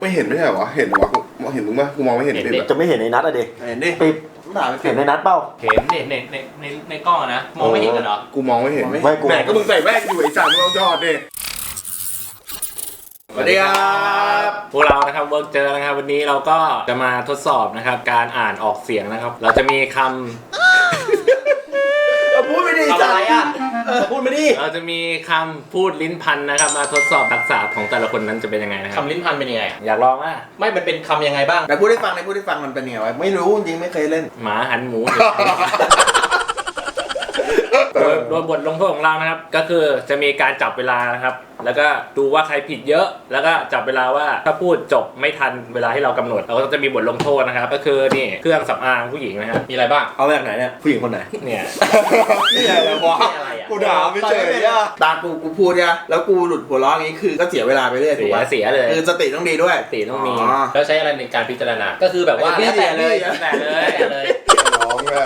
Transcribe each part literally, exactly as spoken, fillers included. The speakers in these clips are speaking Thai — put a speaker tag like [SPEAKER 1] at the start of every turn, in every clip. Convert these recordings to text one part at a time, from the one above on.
[SPEAKER 1] ไม่เห็นไม่ใช่เหรอวะเห็นเหรอวะกูเห็นมึงปะกูมองไม่เห็นเลย
[SPEAKER 2] จะไม่เห็นในนัดอะดิ
[SPEAKER 1] เห็นดิ
[SPEAKER 2] ปิด
[SPEAKER 1] ด่าไป
[SPEAKER 2] เห็นในนัดเปล่า
[SPEAKER 3] เห็นในในในในในกล้องอะนะมองไม่เห็นกันเหรอ
[SPEAKER 1] กูมองไม่เห็น
[SPEAKER 2] ไม่กู
[SPEAKER 1] แหมก็มึงใส่แว่นอยู่ไอ้สัตว์มึงเอาจอดดิสวัสดีครับ
[SPEAKER 3] พวกเรานะครับเวิร์กเจอนะครับวันนี้เราก็จะมาทดสอบนะครับการอ่านออกเสียงนะครับ เราจะมีคำ
[SPEAKER 1] พูดไม่ดี
[SPEAKER 3] ทำอะไรอ่ะ
[SPEAKER 1] พูดไม่ดี
[SPEAKER 3] เราจะมีคำพูดลิ้นพันนะครับมาทดสอบทักษะของแต่ละคนนั้นจะเป็นยังไงนะครับ
[SPEAKER 4] คำลิ้นพันเป็นยังไง
[SPEAKER 3] อยากลองอ่ะ
[SPEAKER 4] ไม่มันเป็นคำยังไงบ้าง
[SPEAKER 1] แต่พูดให้ฟังในพูดให้ฟังมันเป็นยังไงวะไม่รู้จริงไม่เคยเล่น
[SPEAKER 3] หมาหันหมู โดยโดยบทลงโทษของเรานะครับก็คือจะมีการจับเวลานะครับแล้วก็ดูว่าใครผิดเยอะแล้วก็จับเวลาว่าถ้าพูดจบไม่ทันเวลาที่เรากำหนดเราก็จะมีบทลงโทษนะครับก็คือนี่เครื่องสำอางผู้หญิงนะครับ
[SPEAKER 4] มีอะไรบ้าง
[SPEAKER 2] เอาแบบไหนเนี่ยผู้หญิงคนไหน
[SPEAKER 3] เนี่ย
[SPEAKER 1] นี่อะไรวะ
[SPEAKER 4] อะไรอ่ะ
[SPEAKER 1] กูด่าไม่เฉยอ่ะตากูกูพูดเนี่ยแล้วกูหลุดหัวล้ออย่างงี้คือก็เสียเวลาไปเรื่อยถู
[SPEAKER 3] เสี
[SPEAKER 1] ก
[SPEAKER 3] ย
[SPEAKER 1] ปะ
[SPEAKER 3] เสียเลย
[SPEAKER 1] คือสติต้องดีด้วย
[SPEAKER 3] สติต้องมี
[SPEAKER 4] แล้วใช้อะไรในการพิจารณา ก็คือแบบว่า
[SPEAKER 1] พี่
[SPEAKER 4] แล้วแต่เลย
[SPEAKER 1] พี่
[SPEAKER 4] แล้วแต่เลยแล้วแต่เลย
[SPEAKER 1] ร้องเลย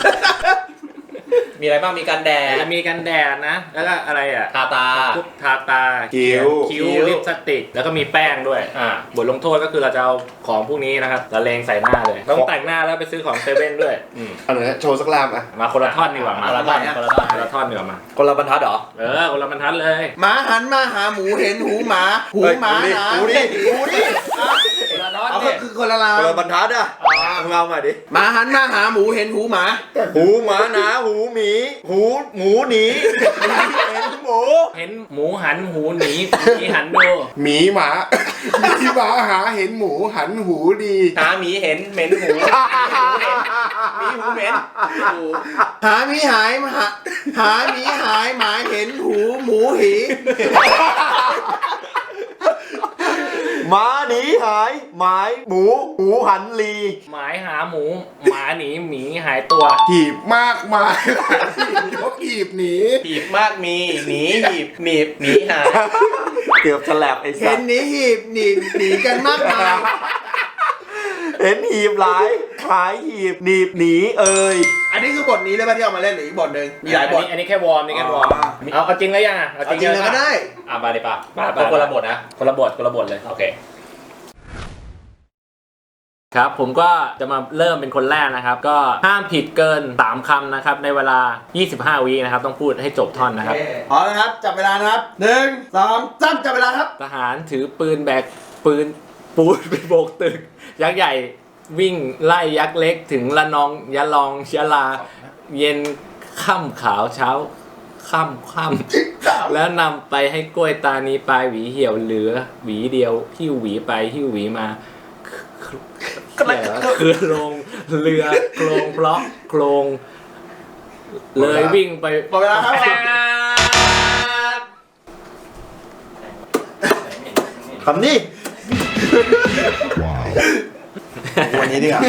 [SPEAKER 4] มีอะไรบ้าง มีการแดด
[SPEAKER 3] จะมีกันแดดนะแล้วก็อะไรอ่ะ
[SPEAKER 4] ทาตา
[SPEAKER 3] พวกทาตา
[SPEAKER 1] คิ้ว
[SPEAKER 3] คิ้ว
[SPEAKER 4] คิ้ว
[SPEAKER 3] ลิปสติกแล้วก็มีแป้งด้วย
[SPEAKER 4] อ่า
[SPEAKER 3] บทลงโทษก็คือเราจะเอาของพวกนี้นะครับละเลงใส่หน้าเลยต้องแต่งหน้าแล้วไปซื้อของเซเว่นด้วยอืม
[SPEAKER 1] อันนี้โชว์สักลามอ่ะ
[SPEAKER 3] มาคนละท่อนดีกว่ามา
[SPEAKER 4] คนละท่อนคนละท่อน
[SPEAKER 3] คนละท่อนดีกว่ามา
[SPEAKER 2] คนละบรรทัดเหรอ
[SPEAKER 3] เออคนละบรรทัดเลย
[SPEAKER 1] หมาหันมาหาหมูเห็นหูหมาหูหมาหนา
[SPEAKER 2] หูดิหูดิ
[SPEAKER 4] คนละท่อน
[SPEAKER 1] เอา
[SPEAKER 4] เนี่
[SPEAKER 1] ก็
[SPEAKER 4] ย
[SPEAKER 1] คือคนละลา
[SPEAKER 2] คนละบรรทัดอ่ะมึงเอาใหม่ดิ
[SPEAKER 1] หมาหันมาหาหมูเห็นหูหมา
[SPEAKER 2] หูหมาหนาหูหมีหูหมูหนีเห็นหมู
[SPEAKER 3] เห็นหมูหันหูหนีหมีหันดู
[SPEAKER 1] หมีหมา หมีหมาหาเห็นหมูหันหูดี
[SPEAKER 4] หาหมีเห็นเหม็นหูหมีหูเหม็นหู
[SPEAKER 1] หาหมีหายหาหาหมีหายหมาเห็นหูหมูหี
[SPEAKER 2] หมาหนีหายหมายหมูหูหันลี
[SPEAKER 3] หมายหาหมูหมาหนีหมีหายตัว
[SPEAKER 1] หีบมากมายหลายยกหีบหนี
[SPEAKER 4] หีบมากมีหนีหีบหนีบหนีหาย
[SPEAKER 2] เกือบฉลับไอ้สั
[SPEAKER 1] เห็
[SPEAKER 2] ส
[SPEAKER 1] นหนีหีบหนีหนีกันมากมาย
[SPEAKER 2] เห็นหีบหลายหายหีบหนีบหนีเอ่ย
[SPEAKER 1] อันนี้คือบทนี้เลยป่ะที่เอามาเล่นหรืออีกบทหนึ่งมีหลายบท
[SPEAKER 3] อันนี้อันนี้แค่วอร์มนี่แค่วอร์ม
[SPEAKER 1] อ๋อ
[SPEAKER 3] เอาเอาจริงแล้วยังอ่ะเอา
[SPEAKER 1] เอาจริงเลยก็ได้
[SPEAKER 4] อ่ะมาเลยป่ะ
[SPEAKER 3] มาไป
[SPEAKER 4] เอาคนละบทนะ
[SPEAKER 3] คนละบทคนละบทเลย
[SPEAKER 4] โอเค
[SPEAKER 3] ครับผมก็จะมาเริ่มเป็นคนแรกนะครับ ก็ห้ามผิดเกินสามคำนะครับในเวลายี่สิบห้าวินะครับต้องพูดให้จบท่อนนะครับ
[SPEAKER 1] พร้อมนะครับจับเวลานะครับหนึ่งสองสามจับเวลาครับ
[SPEAKER 3] ทหารถือปืนแบกปืนปูนไปโบกตึก ยักษ์ใหญ่วิ่งไล่ยักษ์เล็กถึงละนองยะลองยะลา เย็นค่ำขาวเช้าค่ำค่ำแล้วนำไปให้กล้วยตานีปลายหวีเหี่ยวเหลือหวีเดียวหิ้วหวีไปหิ้วหวีมาคือโครงเรือโครงเพราะโครงเลยวิ่งไป
[SPEAKER 1] หมดเวลาครับ
[SPEAKER 2] คำนี้
[SPEAKER 1] วันนี้ดีกว่า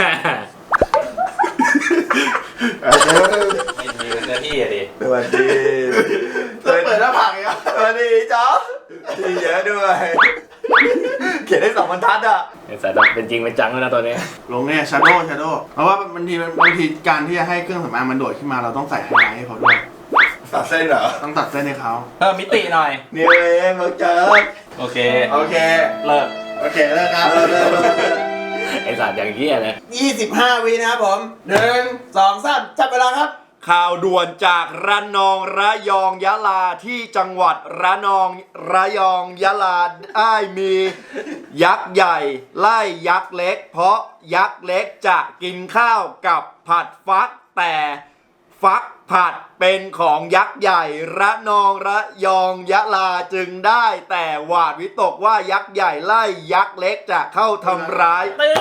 [SPEAKER 4] มีมีเนื้อที่อะดิ
[SPEAKER 2] สวัสดี
[SPEAKER 1] เปิดหน้าผากอีกอ่ะ
[SPEAKER 2] สวัสดีจ๊อบที่เยอะด้วย เขียนได้สองบรรทัดอ่ะ
[SPEAKER 3] ไอ้สายแบบเป็นจริงเป็นจังแล้วนะตัวนี้
[SPEAKER 1] ลงเนี่ยชาโดว์ชาโดว์เพราะว่าบางทีบางทีการที่จะให้เครื่องสำอางมันโดดขึ้นมาเราต้องใส่ไฮไลท์ให้เขาด้วย
[SPEAKER 2] ตัดเส้นเหรอ
[SPEAKER 1] ต้องตัดเส้นให้เขา
[SPEAKER 4] เพิ่มมิติหน่อย
[SPEAKER 2] นี่เองเราเจอ
[SPEAKER 4] โอเค
[SPEAKER 1] โอเค
[SPEAKER 4] เลิก
[SPEAKER 1] โอเคแล้วครับ
[SPEAKER 3] ไอ้สายอย่างเงี้ยเลย
[SPEAKER 1] ยี่สิบห้าวินะครับผมหนึ่งสองสามจับเวลาครับ
[SPEAKER 2] ข่าวด่วนจากระนองระยองยะลาที่จังหวัดระนองระยองยะลาได้มียักษ์ใหญ่ไล่ยักษ์เล็ก เพราะยักษ์เล็กจะกินข้าวกับผัดฟักแต่ฟักผัดเป็นของยักษ์ใหญ่ระนองระยองยะลาจึงได้แต่หวาดวิตกว่ายักษ์ใหญ่ไล่ยักษ์เล็กจะเข้าทำร้าย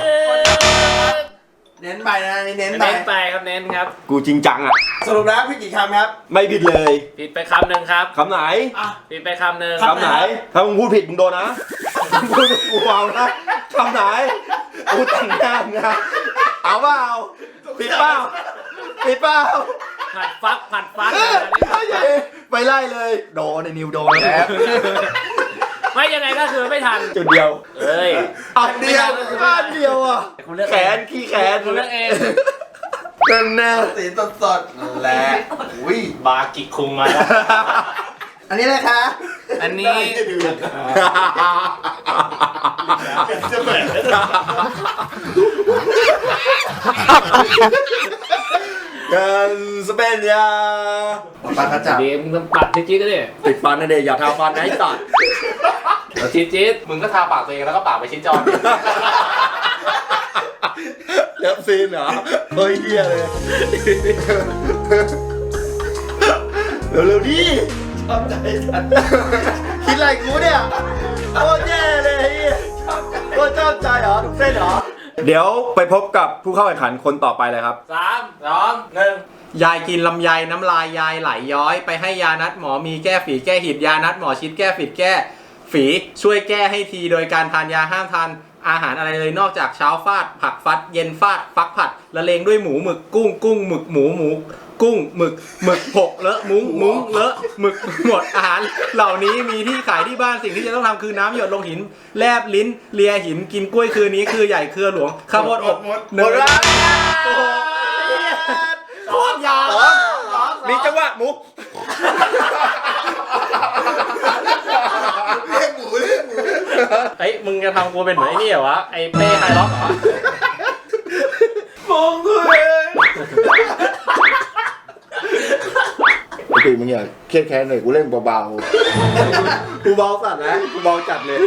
[SPEAKER 1] เน้นไปนะนี่เน้นไป
[SPEAKER 3] เน้นไปครับเน้นครับ
[SPEAKER 2] กูจริงจังอ่ะ
[SPEAKER 1] สรุปแล้วพี่กี่คำครับ
[SPEAKER 2] ไม่ผิดเลย
[SPEAKER 3] ผิดไปคำหนึ่งครับ
[SPEAKER 2] คำไหน
[SPEAKER 1] อ่ะ
[SPEAKER 3] ผิดไปคำหนึ่ง
[SPEAKER 1] ค
[SPEAKER 2] คำไหน ถ้ามึงพูดผิดมึงโดนนะมึงพูดกูเอานะคำไหนกูแต่งหน้ามึงนะเอาเปล่าผิดเปล่าผิดเปล่า
[SPEAKER 3] ผัดฟักผัดฟัก
[SPEAKER 2] เออไปไล่เลยโดนในนิวโดนแล้ว
[SPEAKER 3] ไม่ยังไงก็คือไม่ทัน
[SPEAKER 2] จุดเดียว
[SPEAKER 3] เอ้ย
[SPEAKER 2] อันเดียวอันเดียวอ่ะ
[SPEAKER 3] คุณเลือก
[SPEAKER 2] แข
[SPEAKER 3] เอง
[SPEAKER 2] นขี้แขน
[SPEAKER 3] คุณเลือกเอง
[SPEAKER 2] นั่นแน่
[SPEAKER 1] สีสดสดๆนั่นแหละอุ้ย
[SPEAKER 4] บากิคุงมาแล้ว
[SPEAKER 1] อันนี้เลยคะ
[SPEAKER 3] อันนี้
[SPEAKER 4] จะเปิด
[SPEAKER 2] กันสเปนยา
[SPEAKER 1] ปากกระจับ
[SPEAKER 3] เดี๋ยวมึงต้องปัดจี๊ดๆก็ได้
[SPEAKER 2] ติดฟันนะเด็กอย่าทาฟันนะไอ้สัตว์
[SPEAKER 3] เอาจี๊ดๆมึงก็ทาปากตัวเองแล้วก็ปากไปชิ้นจอน
[SPEAKER 2] เลิฟซีนเหรอเฮ้ยเฮียเลยเร็วๆดิชอบใจสัตว์คิดอะไรกูเนี่ยโคตรแย่เลยเฮียโคตรชอบใจเหรอทุกเส้นเหรอเดี๋ยวไปพบกับผู้เข้าแข่งขันคนต่อไปเลยครับ
[SPEAKER 3] สามสองหนึ่ง
[SPEAKER 5] ยายกินลำไยน้ำลายยายไหลย้อยไปให้ยานัดหมอมีแก้ฝีแก้หิดยานัดหมอชิดแก้ฝีแก้ฝีช่วยแก้ให้ทีโดยการทานยาห้ามทานอาหารอะไรเลยนอกจากเช้าฟาดผักฟัดเย็นฟาดฟักผัดละเลงด้วยหมูหมึกกุ้งกุ้งหมึกหมูหมูกุ้งหมึกหมึกหกเลอะมุ้งมุ้งเลอะหมึกหมดอาหารเหล่านี้มีที่ขายที่บ้านสิ่งที่จะต้องทำคือน้ำหยดลงหินแลบลิ้นเลียหินกินกล้วยคืนนี้คือใหญ่เครือหลวงข้าวโพดอบ
[SPEAKER 1] หมด
[SPEAKER 5] เนยโอ้โหโคตรยาว
[SPEAKER 2] มีจังหวะมุก
[SPEAKER 1] เรียกหมูเรียกหมู
[SPEAKER 5] เฮ้ยมึงจะทำกูเป็นเหมือนไอ้นี่เหรอวะไอ้เป้ไฮล็อกเหรอ
[SPEAKER 2] มองกูเองปกติมึงอย่าเครียดแค้นหน่อยกูเล่นเบาๆกูเบาสัตว์นะกูเบาจัดเลย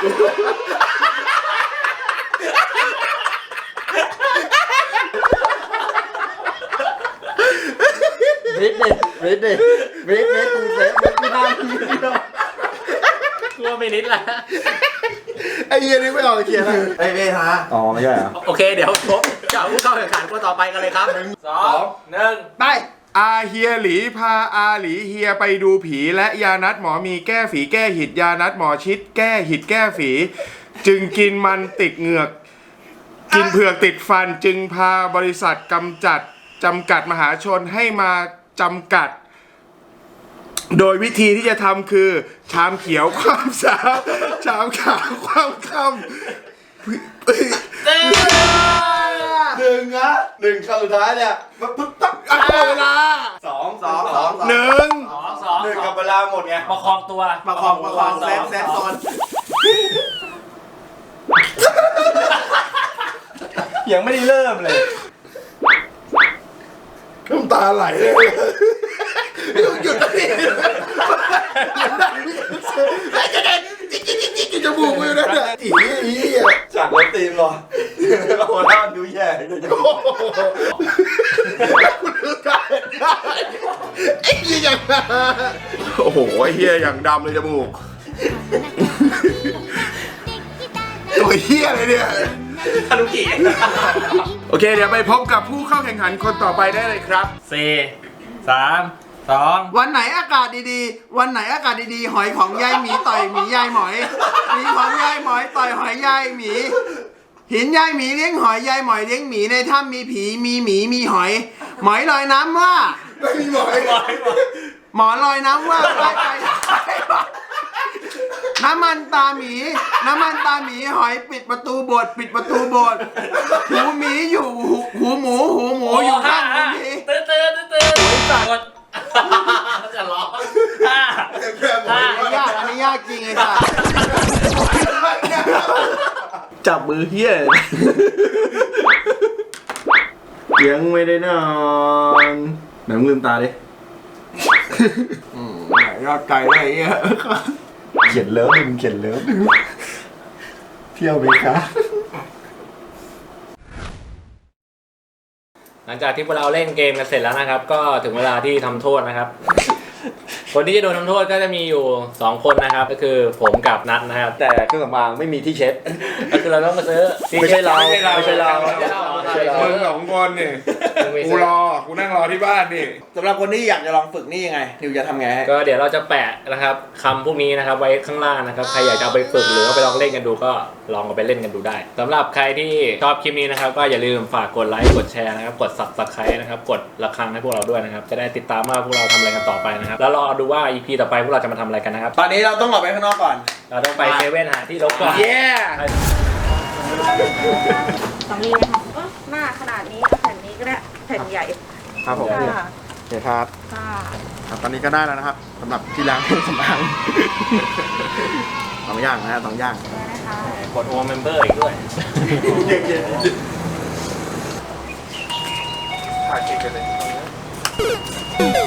[SPEAKER 2] วิทย์ดิวิทย์ดิวิทย์วิทย์กูเซฟวิทย์ไม่ได้ไม่ได้
[SPEAKER 5] กลัวไม่นิดละ
[SPEAKER 2] ไอ้เหี้ยนี่ไม่ออกเขียนอะไร
[SPEAKER 1] ไอ้เว้ยฮะ
[SPEAKER 2] อ๋อไม่ใช่เหรอ
[SPEAKER 5] โอเคเดี๋ยวพบกับผู้เข้าแข่งขันคนต่อไปกันเลยครับ
[SPEAKER 3] สองหนึ่ง
[SPEAKER 1] ไป
[SPEAKER 6] อาเฮียหลีพาอาหลีเฮียไปดูผีและยานัดหมอมีแก้ฝีแก้หิดยานัดหมอชิดแก้หิดแก้ฝี จึงกินมันติดเหงือก กินเผือกติดฟันจึงพาบริษัทกำจัดจำกัดมหาชนให้มาจำกัด โดยวิธีที่จะทำคือ ชามเขียวความสาวชามขาวความคำ
[SPEAKER 2] หนึ่งนะหนึ่งคำสุดท้ายเนี่ยมันปึ๊บปั๊บ
[SPEAKER 6] อ่ะหมดเวลา
[SPEAKER 2] สอง
[SPEAKER 1] สองสองสอง
[SPEAKER 6] หนึ่ง
[SPEAKER 3] สองสอง
[SPEAKER 2] หนึ่ง
[SPEAKER 3] สอ
[SPEAKER 2] กับ
[SPEAKER 3] ง
[SPEAKER 2] เวลาหมดไง
[SPEAKER 3] ประคองตัว
[SPEAKER 1] ประคองประคองเซฟเซฟโซน
[SPEAKER 2] ยังไม่ได้เริ่มเลย
[SPEAKER 6] น้ำตาไหลเลยหยุดนะพี่กินจมูกมือนั่นแหละอีอี
[SPEAKER 2] จากรถตีมหรอโอ้ล่าดูแย่เลยจะ
[SPEAKER 6] คุณดูได้ไอ้เหี้ยอย่างโอ้โหไอ้เหี้ยอย่างดำเลยจมูกตัวเหี้ยเลยเนี่ย
[SPEAKER 3] ฮารุกิ
[SPEAKER 6] โอเคเดี๋ยวไปพบกับผู้เข้าแข่งขันคนต่อไปได้เลยครับ
[SPEAKER 3] สี่สามสอง
[SPEAKER 1] วันไหนอากาศดีๆ วันไหนอากาศดีๆ หอยของยายหมีต่อยหมียายหมอยหมีของยายหมอยต่อยหอยยายหมี หินยายหมีเลี้ยงหอยยายหมอยเลี้ยงหมีในถ้ำมีผีมีหมีมีหอย หมอยลอยน้ำว่า
[SPEAKER 6] ไม่มีหมอย
[SPEAKER 1] หมอลอยน้ำว่าไปไปน้ำมันตาหมี น้ำมันตาหมีหอยปิดประตูโบสถ์ปิดประตูโบสถ์หูหมีอยู่หูหูหมูหูหมูอยู่ข้างหูหมี
[SPEAKER 3] ตื่นตื่นตื่นตื่นกดจะร้องห้าห้า
[SPEAKER 1] อันนี้ยากอันนี้ยากจริงไอ้สัส
[SPEAKER 2] จับมือเฮียยังไม่ได้นอนไหนมึงลืมตาดิ
[SPEAKER 1] ยอดไก่เลยไอ้เงี้ย
[SPEAKER 2] เขียนเลิฟมึงเขียนเลิฟเที่ยวไหมคะ
[SPEAKER 3] หลังจากที่พวกเราเล่นเกมกันเสร็จแล้วนะครับ ก็ถึงเวลาที่ทำโทษนะครับ คนที่จะโดนทำโทษก็จะมีอยู่สองคนนะครับ ก็คือผมกับนัทนะครับ
[SPEAKER 2] แต่เครื่องสำอางไม่มีที่เช็ด
[SPEAKER 3] ก็คือเราต้องมาซื้อ
[SPEAKER 2] ไม่ใช่เรา
[SPEAKER 3] ไม่ใช่เรา
[SPEAKER 2] ไม่ใช่เรา
[SPEAKER 3] ไม่ใช่เรา
[SPEAKER 2] ไม่ใช่เรา
[SPEAKER 6] มึงสองคนนี่กูรอกูนั่งรอที่บ้านนี่
[SPEAKER 1] สำหรับคนที่อยากจะลองฝึกนี่ยังไงนิวจะทำไงให้
[SPEAKER 3] ก็เดี๋ยวเราจะแปะนะครับคำพวกนี้นะครับไว้ข้างล่างนะครับใครอยากจะเอาไปฝึกหรือว่าไปลองเล่นกันดูก็ลองเอาไปเล่นกันดูได้สำหรับใครที่ชอบคลิปนี้นะครับก็อย่าลืมฝากกดไลค์กดแชร์นะครับกด ซับสไครบ์ นะครับกดระฆังให้พวกเราด้วยนะครับจะได้ติดตามว่าพวกเราทำอะไรกันต่อไปนะครับแล้วรอดูว่า อี พี ต่อไปพวกเราจะมาทำอะไรกันนะครับ
[SPEAKER 1] ตอนนี้เราต้องออกไปข้างนอกก่อน
[SPEAKER 3] เราต้องไปเซเว่นหาที่รบก่อน
[SPEAKER 1] เย้
[SPEAKER 7] สำลีนะคะก็หน้าขนาดนี้เอาแผ่นนี้ก็ได้แผ่นใหญ่
[SPEAKER 1] ครับผม
[SPEAKER 7] ค่ะ
[SPEAKER 1] โอเคครับ
[SPEAKER 7] ค่ะ
[SPEAKER 1] ครับตอนนี้ก็ได้แล้วนะครับสำหรับที่ล้างเครื่องสำอาง สองอย่างนะฮะสองอย่าง
[SPEAKER 7] ได้นะคะ
[SPEAKER 3] กดโอเมมเบอร์อีกด้วย
[SPEAKER 6] ถ่ายติดกันเลย